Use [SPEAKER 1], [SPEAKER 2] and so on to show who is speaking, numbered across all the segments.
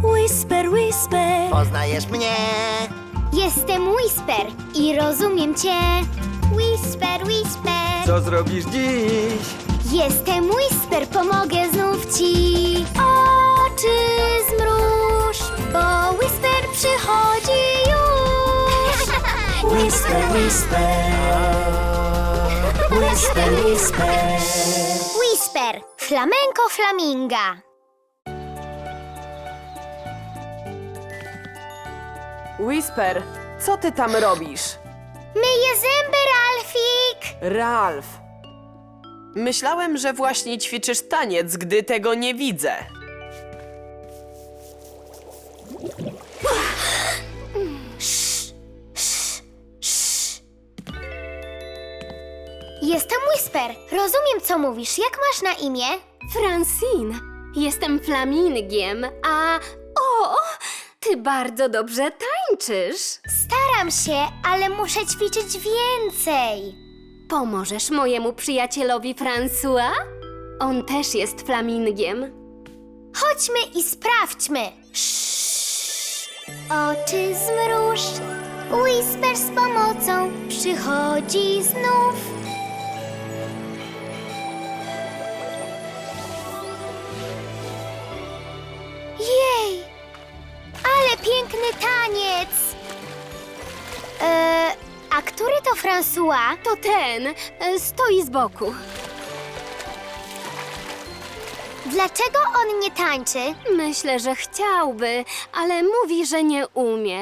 [SPEAKER 1] Whisper, whisper.
[SPEAKER 2] Poznajesz mnie?
[SPEAKER 3] Jestem Whisper i rozumiem cię. Whisper, whisper.
[SPEAKER 4] Co zrobisz dziś?
[SPEAKER 3] Jestem Whisper, pomogę znów ci. Oczy zmruż, bo Whisper przychodzi już.
[SPEAKER 1] Whisper, whisper. Whisper, whisper.
[SPEAKER 3] Whisper, flamenko flaminga.
[SPEAKER 5] Whisper, co ty tam robisz?
[SPEAKER 3] Myję zęby, Ralfik.
[SPEAKER 5] Ralf. Myślałem, że właśnie ćwiczysz taniec, gdy tego nie widzę.
[SPEAKER 3] Jestem Whisper, rozumiem co mówisz. Jak masz na imię?
[SPEAKER 6] Francine, jestem flamingiem, a... O, ty bardzo dobrze tańczysz.
[SPEAKER 3] Staram się, ale muszę ćwiczyć więcej.
[SPEAKER 6] Pomożesz mojemu przyjacielowi François? On też jest flamingiem.
[SPEAKER 3] Chodźmy i sprawdźmy. Oczy zmruż, Whisper z pomocą przychodzi znów. Jej, ale piękny taniec. A który to François?
[SPEAKER 6] To ten, stoi z boku.
[SPEAKER 3] Dlaczego on nie tańczy?
[SPEAKER 6] Myślę, że chciałby, ale mówi, że nie umie.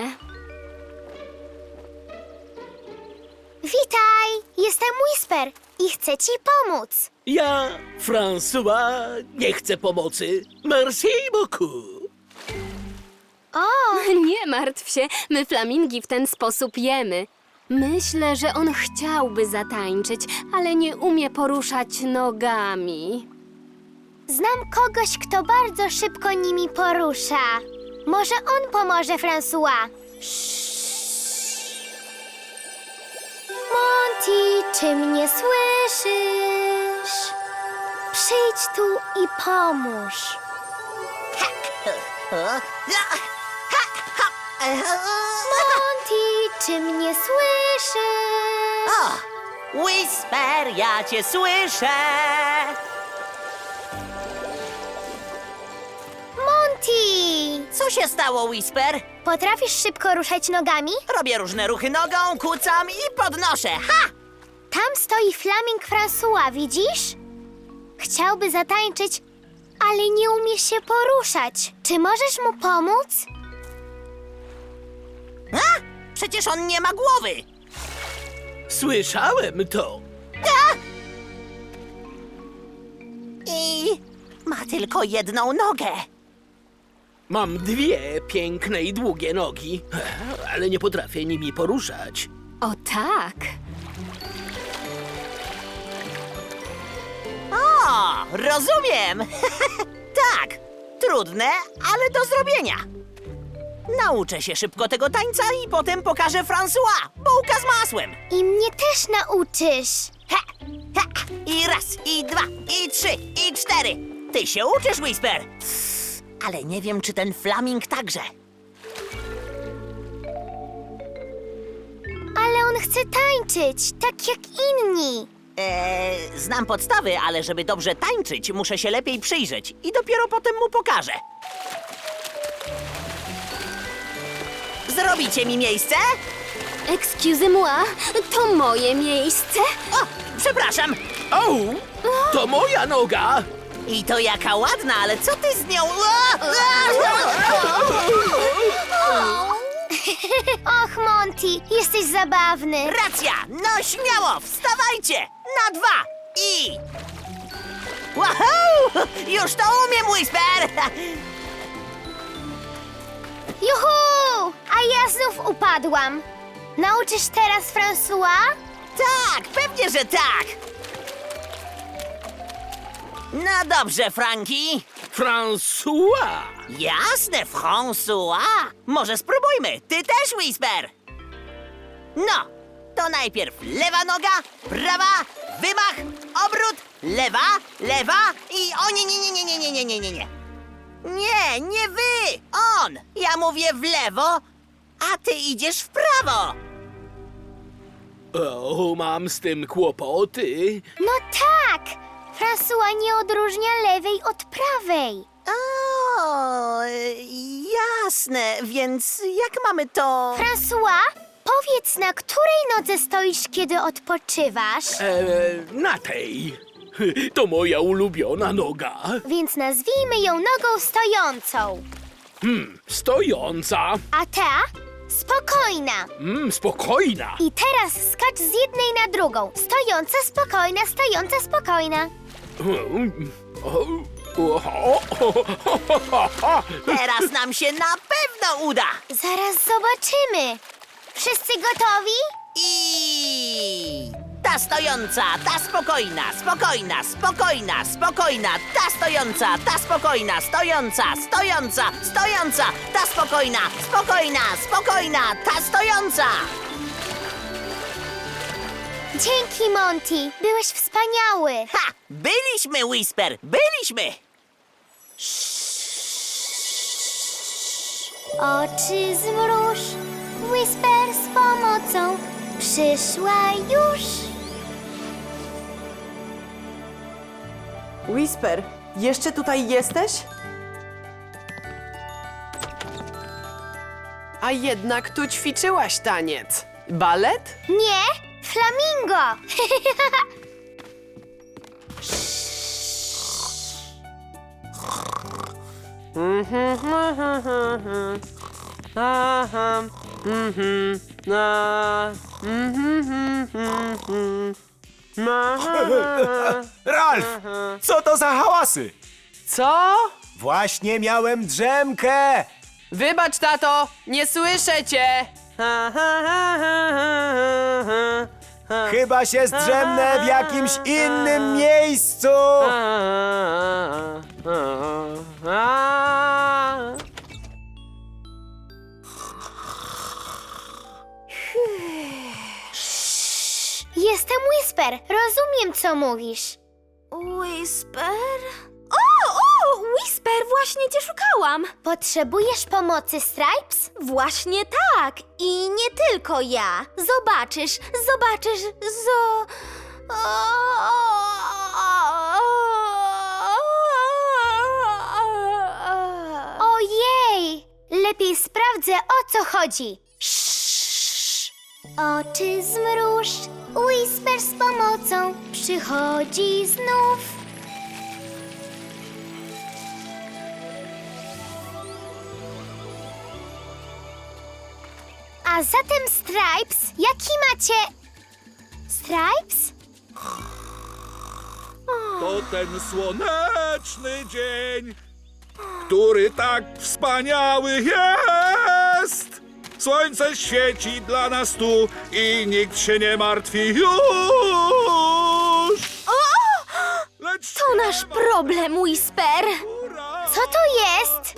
[SPEAKER 3] Witaj, jestem Whisper i chcę ci pomóc.
[SPEAKER 7] Ja, François, nie chcę pomocy. Merci beaucoup.
[SPEAKER 3] O,
[SPEAKER 6] Nie martw się, my flamingi w ten sposób jemy. Myślę, że on chciałby zatańczyć, ale nie umie poruszać nogami.
[SPEAKER 3] znam kogoś, kto bardzo szybko nimi porusza. Może on pomoże, François. Monty, czy mnie słyszysz? Przyjdź tu i pomóż. Monty, czy mnie słyszysz?
[SPEAKER 2] O, Whisper, ja cię słyszę.
[SPEAKER 3] Monty!
[SPEAKER 2] Co się stało, Whisper?
[SPEAKER 3] Potrafisz szybko ruszać nogami?
[SPEAKER 2] Robię różne ruchy nogą, kucam i podnoszę. Ha!
[SPEAKER 3] Tam stoi Flaming François, widzisz? Chciałby zatańczyć, ale nie umie się poruszać. Czy możesz mu pomóc?
[SPEAKER 2] A? Przecież on nie ma głowy.
[SPEAKER 7] Słyszałem to.
[SPEAKER 2] I ma tylko jedną nogę.
[SPEAKER 7] Mam dwie piękne i długie nogi, ale nie potrafię nimi poruszać.
[SPEAKER 6] O tak!
[SPEAKER 2] O, rozumiem. Tak, trudne, ale do zrobienia. Nauczę się szybko tego tańca i potem pokażę François. Bułka z masłem.
[SPEAKER 3] I mnie też nauczysz.
[SPEAKER 2] Ha, ha. I raz, i dwa, i trzy, i cztery. Ty się uczysz, Whisper. Ale nie wiem, czy ten Flaming także.
[SPEAKER 3] Ale on chce tańczyć, tak jak inni.
[SPEAKER 2] Znam podstawy, ale żeby dobrze tańczyć, muszę się lepiej przyjrzeć i dopiero potem mu pokażę. Zrobicie mi miejsce?
[SPEAKER 6] Excusez-moi, to moje miejsce?
[SPEAKER 2] O, przepraszam.
[SPEAKER 7] O, to moja noga!
[SPEAKER 2] I to jaka ładna, ale co ty z nią?
[SPEAKER 3] Och, Monty, jesteś zabawny.
[SPEAKER 2] Racja! No śmiało, wstawajcie! Na dwa i... Wahoo! Już to umiem, Whisper!
[SPEAKER 3] Juhu! A ja znów upadłam. Nauczysz teraz François?
[SPEAKER 2] Tak, pewnie, że tak! No dobrze, Frankie.
[SPEAKER 7] François!
[SPEAKER 2] Jasne, François. Może spróbujmy. Ty też, Whisper. No, to najpierw lewa noga, prawa, wymach, obrót, lewa, lewa i... O, nie. Nie, nie wy! O, on! Ja mówię w lewo, a ty idziesz w prawo!
[SPEAKER 7] O, mam z tym kłopoty.
[SPEAKER 3] No tak! François nie odróżnia lewej od prawej.
[SPEAKER 2] O, jasne, więc jak mamy to...
[SPEAKER 3] François, powiedz, na której nodze stoisz, kiedy odpoczywasz?
[SPEAKER 7] Na tej. To moja ulubiona noga.
[SPEAKER 3] Więc nazwijmy ją nogą stojącą.
[SPEAKER 7] Stojąca.
[SPEAKER 3] A ta? Spokojna.
[SPEAKER 7] Spokojna.
[SPEAKER 3] I teraz skacz z jednej na drugą. Stojąca, spokojna, stojąca, spokojna.
[SPEAKER 2] Teraz nam się na pewno uda!
[SPEAKER 3] Zaraz zobaczymy. Wszyscy gotowi?
[SPEAKER 2] I... Ta stojąca, ta spokojna, spokojna, spokojna, spokojna, ta stojąca, ta spokojna, stojąca, stojąca, stojąca, ta spokojna, spokojna, spokojna, ta stojąca!
[SPEAKER 3] Dzięki, Monty. Byłeś wspaniały.
[SPEAKER 2] Ha! Byliśmy, Whisper, byliśmy!
[SPEAKER 3] Oczy zmruż, Whisper z pomocą przyszła już.
[SPEAKER 5] Whisper, jeszcze tutaj jesteś? A jednak tu ćwiczyłaś taniec. Balet?
[SPEAKER 3] Nie, flamingo.
[SPEAKER 5] Aha.
[SPEAKER 4] Ralf, co to za hałasy?
[SPEAKER 5] Co?
[SPEAKER 4] Właśnie miałem drzemkę.
[SPEAKER 5] Wybacz, tato, nie słyszę cię.
[SPEAKER 4] Chyba się zdrzemnę w jakimś innym miejscu.
[SPEAKER 3] Jestem Whisper. Rozumiem, co mówisz.
[SPEAKER 1] Whisper? O, Whisper, właśnie cię szukałam.
[SPEAKER 3] Potrzebujesz pomocy, Stripes?
[SPEAKER 1] Właśnie tak. I nie tylko ja. Zobaczysz,
[SPEAKER 3] Ojej! Lepiej sprawdzę, o co chodzi. Oczy zmruż, Whisper z pomocą przychodzi znów. A zatem, Stripes, jaki macie... Stripes?
[SPEAKER 8] To ten słoneczny dzień, który tak wspaniały jest. Słońce świeci dla nas tu i nikt się nie martwi już. Lecz
[SPEAKER 1] To nasz problem, Whisper.
[SPEAKER 3] Co to jest?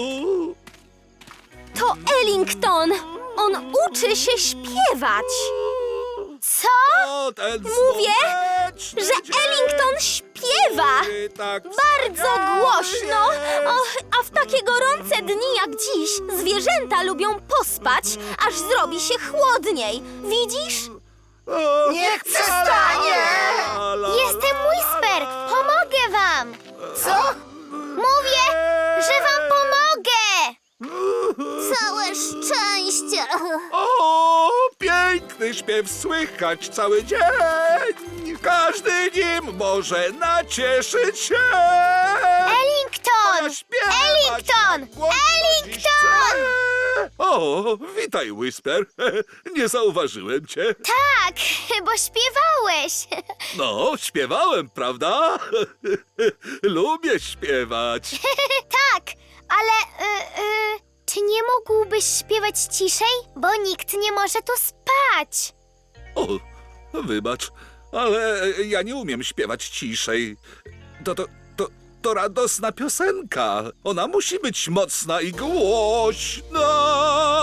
[SPEAKER 1] To Ellington. On uczy się śpiewać.
[SPEAKER 3] Co?
[SPEAKER 8] To ten
[SPEAKER 1] Mówię,
[SPEAKER 8] słoneczny
[SPEAKER 1] że
[SPEAKER 8] dzień,
[SPEAKER 1] Ellington śpiewa.
[SPEAKER 8] który tak
[SPEAKER 1] Bardzo
[SPEAKER 8] wspaniały
[SPEAKER 1] głośno.
[SPEAKER 8] jest.
[SPEAKER 1] A w takie gorące dni jak dziś zwierzęta lubią pospać, aż zrobi się chłodniej. Widzisz?
[SPEAKER 2] Niech przestanie!
[SPEAKER 3] Jestem Whisper! Pomogę wam! Co? Mówię, że wam pomogę!
[SPEAKER 1] Całe szczęście.
[SPEAKER 8] O, piękny śpiew słychać cały dzień. Każdy nim może nacieszyć się.
[SPEAKER 3] Ellington!
[SPEAKER 8] Śpiewać
[SPEAKER 3] Ellington!
[SPEAKER 8] tak głośno dziś
[SPEAKER 3] Ellington!
[SPEAKER 8] chcę. O, witaj, Whisper. Nie zauważyłem cię.
[SPEAKER 3] Tak, bo śpiewałeś.
[SPEAKER 8] No, śpiewałem, prawda? Lubię śpiewać.
[SPEAKER 3] Tak, ale czy nie mógłbyś śpiewać ciszej? Bo nikt nie może tu spać.
[SPEAKER 8] O, wybacz, ale ja nie umiem śpiewać ciszej. To radosna piosenka. Ona musi być mocna i głośna.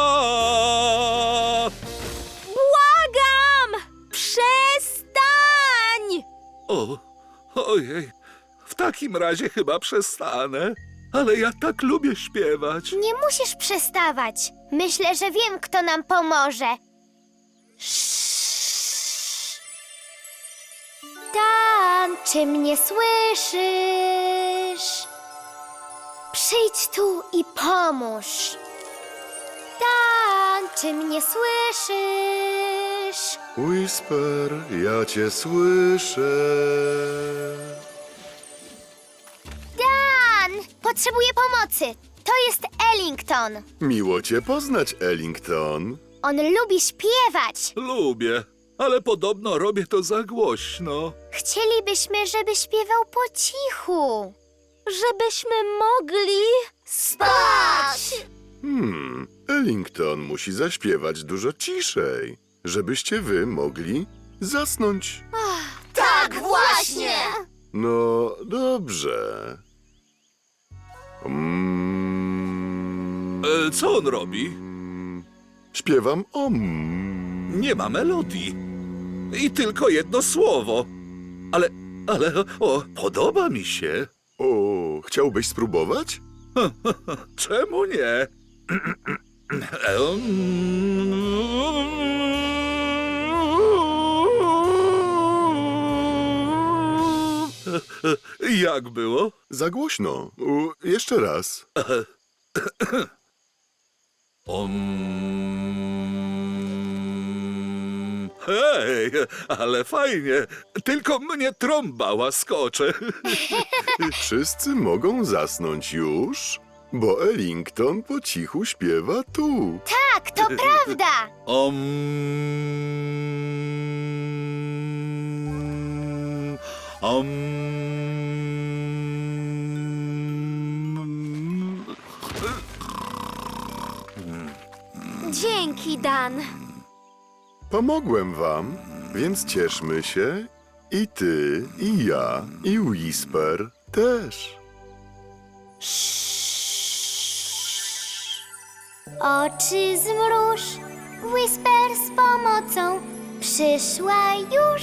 [SPEAKER 1] Błagam! Przestań!
[SPEAKER 8] Ojej, w takim razie chyba przestanę. ale ja tak lubię śpiewać.
[SPEAKER 3] Nie musisz przestawać. Myślę, że wiem, kto nam pomoże. Dan, czy mnie słyszysz? Przyjdź tu i pomóż. Dan, czy mnie słyszysz?
[SPEAKER 9] Whisper, ja cię słyszę.
[SPEAKER 3] Dan, potrzebuję pomocy. To jest Ellington.
[SPEAKER 9] Miło cię poznać, Ellington.
[SPEAKER 3] On lubi śpiewać.
[SPEAKER 8] Lubię, ale podobno robię to za głośno.
[SPEAKER 3] Chcielibyśmy, żeby śpiewał po cichu.
[SPEAKER 1] Żebyśmy mogli spać.
[SPEAKER 9] Ellington musi zaśpiewać dużo ciszej, żebyście wy mogli zasnąć.
[SPEAKER 1] Tak, właśnie.
[SPEAKER 9] No, dobrze.
[SPEAKER 8] Co on robi?
[SPEAKER 9] Śpiewam
[SPEAKER 8] Nie ma melodii. I tylko jedno słowo. Ale, podoba mi się.
[SPEAKER 9] O, chciałbyś spróbować?
[SPEAKER 8] Czemu nie? Jak było?
[SPEAKER 9] Za głośno. Jeszcze raz.
[SPEAKER 8] Hej, ale fajnie. Tylko mnie trąba łaskocze.
[SPEAKER 9] Wszyscy mogą zasnąć już, bo Ellington po cichu śpiewa tu.
[SPEAKER 3] Tak, to prawda.
[SPEAKER 1] Dzięki, Dan.
[SPEAKER 9] Pomogłem wam, więc cieszmy się. I ty, i ja, i Whisper też.
[SPEAKER 3] Oczy zmruż, Whisper z pomocą przyszła już.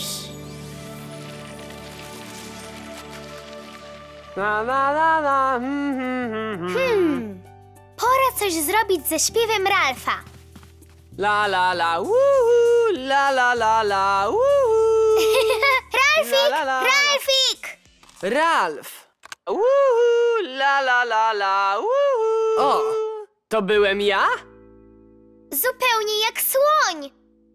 [SPEAKER 5] La la la la.
[SPEAKER 3] Pora coś zrobić ze śpiewem Ralfa.
[SPEAKER 5] La la la. Uhu, la la la la. Uhu.
[SPEAKER 3] Ralfik!
[SPEAKER 5] La, la, la, la.
[SPEAKER 3] Ralfik!
[SPEAKER 5] Ralf. Uhu, la la la la. Uhu. O, to byłem ja?
[SPEAKER 3] Zupełnie jak słoń.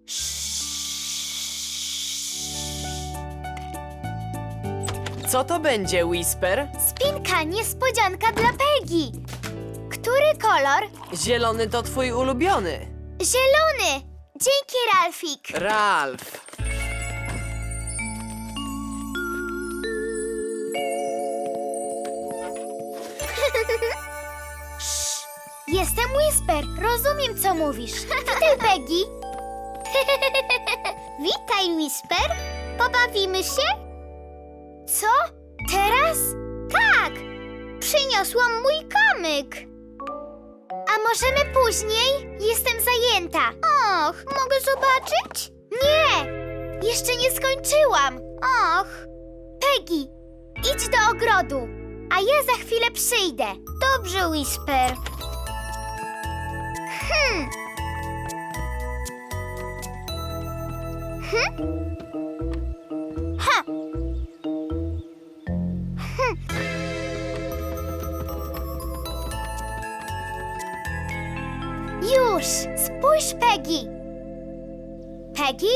[SPEAKER 5] Co to będzie, Whisper?
[SPEAKER 3] Spinka, niespodzianka dla Peggy. Który kolor?
[SPEAKER 5] Zielony to twój ulubiony.
[SPEAKER 3] Zielony. Dzięki, Ralfik.
[SPEAKER 5] Ralf.
[SPEAKER 3] Jestem Whisper. Rozumiem, co mówisz. Witaj, Peggy. Witaj, Whisper. Pobawimy się? Co? Teraz? Tak. Przyniosłam mój kamyk. A możemy później? Jestem zajęta. Och, mogę zobaczyć? Nie. Jeszcze nie skończyłam. Och. Peggy, idź do ogrodu, a ja za chwilę przyjdę. Dobrze, Whisper. Ha. Już! Spójrz, Peggy! Peggy?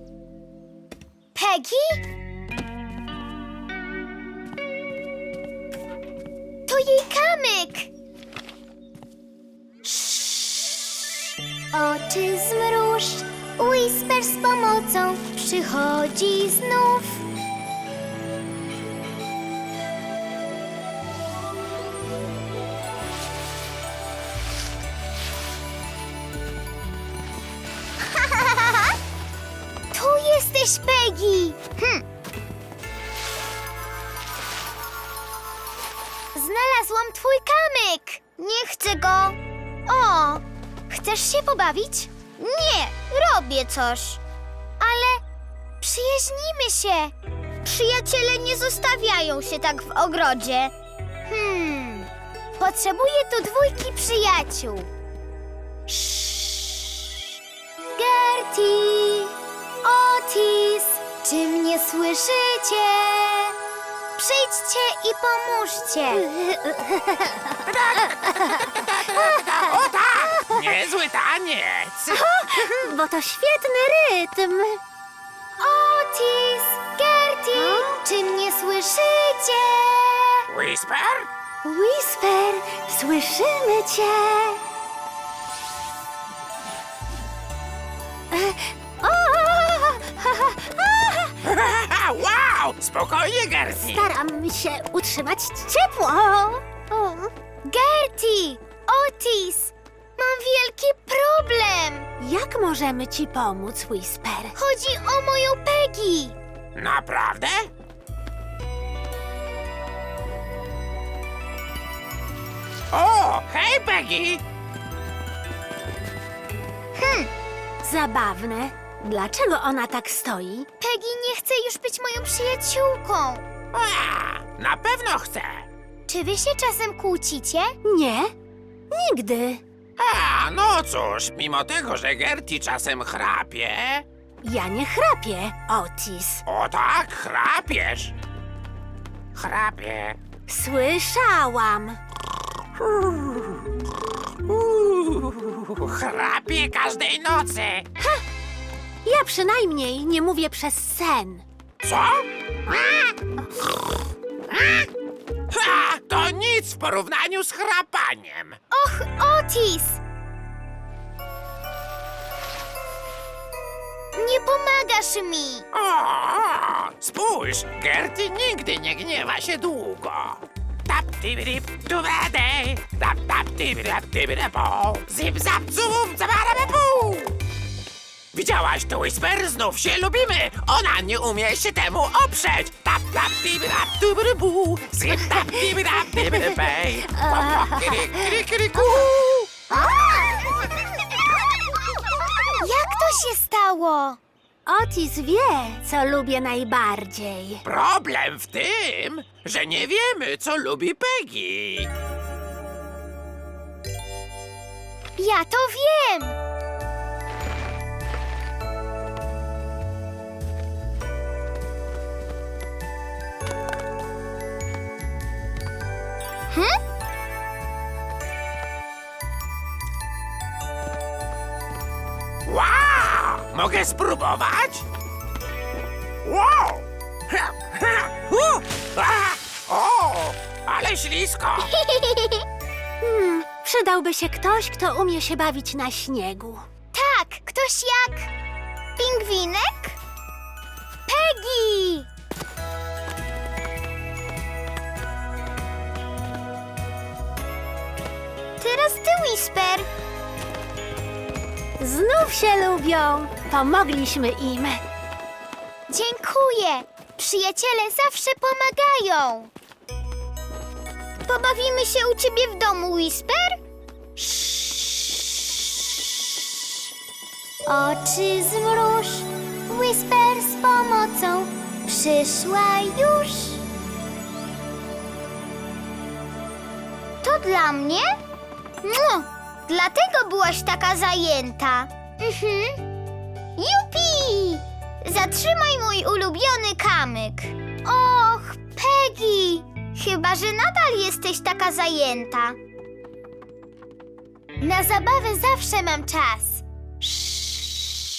[SPEAKER 3] Peggy? To jej kamyk! Oczy zmruż, Whisper z pomocą przychodzi znów. Tu jesteś, Peggy! Znalazłam twój kamyk! Nie chcę go! O! Chcesz się pobawić? Nie, robię coś. Ale przyjaźnimy się. Przyjaciele nie zostawiają się tak w ogrodzie. Potrzebuję tu 2 przyjaciół. Gertie, Otis, czy mnie słyszycie? Przyjdźcie i pomóżcie.
[SPEAKER 5] Niezły taniec!
[SPEAKER 1] Bo to świetny rytm.
[SPEAKER 3] Otis, Gertie, czy mnie słyszycie?
[SPEAKER 5] Whisper?
[SPEAKER 1] Whisper, słyszymy cię.
[SPEAKER 5] Wow! Spokojnie, Gertie!
[SPEAKER 1] Staram się utrzymać ciepło.
[SPEAKER 3] Gertie, Otis, mam wielki problem.
[SPEAKER 1] Jak możemy ci pomóc, Whisper?
[SPEAKER 3] Chodzi o moją Peggy.
[SPEAKER 5] Naprawdę? O, hej, Peggy!
[SPEAKER 1] Zabawne. Dlaczego ona tak stoi?
[SPEAKER 3] Peggy nie chce już być moją przyjaciółką.
[SPEAKER 5] Na pewno chcę!
[SPEAKER 3] Czy wy się czasem kłócicie?
[SPEAKER 1] Nie, nigdy.
[SPEAKER 5] No cóż, mimo tego, że Gertie czasem chrapie...
[SPEAKER 1] Ja nie chrapię, Otis.
[SPEAKER 5] O tak, chrapiesz! Chrapie.
[SPEAKER 1] Słyszałam.
[SPEAKER 5] Chrapie każdej nocy!
[SPEAKER 1] Ja przynajmniej nie mówię przez sen.
[SPEAKER 5] Co? To nic w porównaniu z chrapaniem.
[SPEAKER 3] Och, Otis! Nie pomagasz mi.
[SPEAKER 5] Spójrz, Gertie nigdy nie gniewa się długo. Tap tibirip tubadej, tap tap tibirap tibirapo, zip zap zum zabarababu. Widziałaś to, Whisper? Znów się lubimy. Ona nie umie się temu oprzeć. Tap tap tibirap tubirabu, zip tap tibirap tibirapej. Kiri-kiri-kiri-ku.
[SPEAKER 3] Jak to się stało?
[SPEAKER 1] Otis wie, co lubię najbardziej.
[SPEAKER 5] Problem w tym, że nie wiemy, co lubi Peggy.
[SPEAKER 3] Ja to wiem.
[SPEAKER 5] Wow! Mogę spróbować? Wow! O! Ale ślisko!
[SPEAKER 1] Przydałby się ktoś, kto umie się bawić na śniegu.
[SPEAKER 3] Tak, ktoś jak pingwinek? Peggy! Teraz ty, Whisper.
[SPEAKER 1] Znów się lubią. Pomogliśmy im.
[SPEAKER 3] Dziękuję. Przyjaciele zawsze pomagają. Pobawimy się u ciebie w domu, Whisper? Oczy zmruż, Whisper z pomocą przyszła już. To dla mnie? Dlatego byłaś taka zajęta. Jupi! Zatrzymaj mój ulubiony kamyk. Och, Peggy! Chyba, że nadal jesteś taka zajęta. Na zabawę zawsze mam czas.